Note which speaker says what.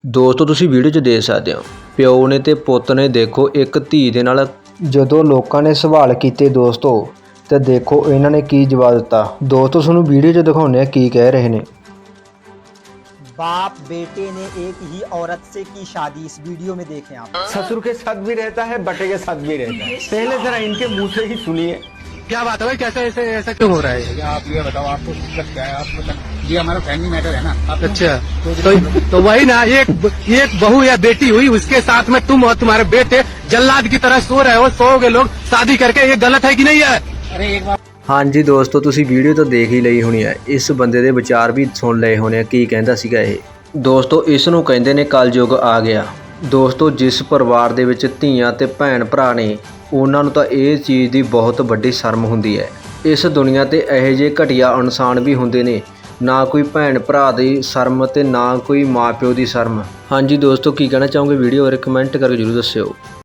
Speaker 1: ਦੋਸਤੋ ਤੁਸੀਂ ਵੀਡੀਓ 'ਚ ਦੇਖ ਸਕਦੇ ਹੋ ਪਿਓ ਨੇ ਤੇ ਪੁੱਤ ਨੇ ਦੇਖੋ ਇੱਕ ਧੀ ਦੇ ਨਾਲ ਜਦੋਂ ਲੋਕਾਂ ਨੇ ਸਵਾਲ ਕੀਤੇ ਦੋਸਤੋ ਤੇ ਦੇਖੋ ਇਹਨਾਂ ਨੇ ਕੀ ਜਵਾਬ ਦਿੱਤਾ। ਦੋਸਤੋ ਤੁਹਾਨੂੰ ਵੀਡੀਓ 'ਚ ਦਿਖਾਉਂਦੇ ਆ ਕੀ ਕਹਿ ਰਹੇ ਨੇ।
Speaker 2: बाप बेटे ने एक ही औरत से की शादी, इस वीडियो में देखें आप।
Speaker 3: ससुर के साथ भी रहता है, बटे के साथ भी रहता है। पहले जरा इनके मुंह से ही सुनिए।
Speaker 4: क्या बात है भाई, कैसे ऐसे ऐसा क्यों हो रहा है?
Speaker 5: आप ये बताओ, आपको दिक्कत क्या है? आप बताओ, ये हमारा फैमिली मैटर है ना। आप
Speaker 4: अच्छा तो वही ना, एक बहू या बेटी हुई, उसके साथ में तुम और तुम्हारे बेटे जल्लाद की तरह सो रहे हो, सोओगे लोग शादी करके, ये गलत है कि नहीं है?
Speaker 5: अरे एक बार
Speaker 1: ਹਾਂਜੀ ਦੋਸਤੋ ਤੁਸੀਂ ਵੀਡੀਓ ਤਾਂ ਦੇਖ ਹੀ ਲਈ ਹੋਣੀ ਹੈ। ਇਸ ਬੰਦੇ ਦੇ ਵਿਚਾਰ ਵੀ ਸੁਣ ਲਏ ਹੋਣੇ ਆ ਕੀ ਕਹਿੰਦਾ ਸੀਗਾ ਇਹ। ਦੋਸਤੋ ਇਸ ਨੂੰ ਕਹਿੰਦੇ ਨੇ ਕਲਯੁੱਗ ਆ ਗਿਆ। ਦੋਸਤੋ ਜਿਸ ਪਰਿਵਾਰ ਦੇ ਵਿੱਚ ਧੀਆਂ ਤੇ ਭੈਣ ਭਰਾ ਨੇ ਉਹਨਾਂ ਨੂੰ ਤਾਂ ਇਹ ਚੀਜ਼ ਦੀ ਬਹੁਤ ਵੱਡੀ ਸ਼ਰਮ ਹੁੰਦੀ ਹੈ। ਇਸ ਦੁਨੀਆ ਤੇ ਇਹੋ ਜਿਹੇ ਘਟੀਆ ਇਨਸਾਨ ਵੀ ਹੁੰਦੇ ਨੇ, ਨਾ ਕੋਈ ਭੈਣ ਭਰਾ ਦੀ ਸ਼ਰਮ ਤੇ ਨਾ ਕੋਈ ਮਾਂ ਪਿਓ ਦੀ ਸ਼ਰਮ। ਹਾਂਜੀ ਦੋਸਤੋ ਕੀ ਕਹਿਣਾ ਚਾਹੋਗੇ ਵੀਡੀਓ ਬਾਰੇ ਕਮੈਂਟ ਕਰਕੇ ਜ਼ਰੂਰ ਦੱਸਿਓ।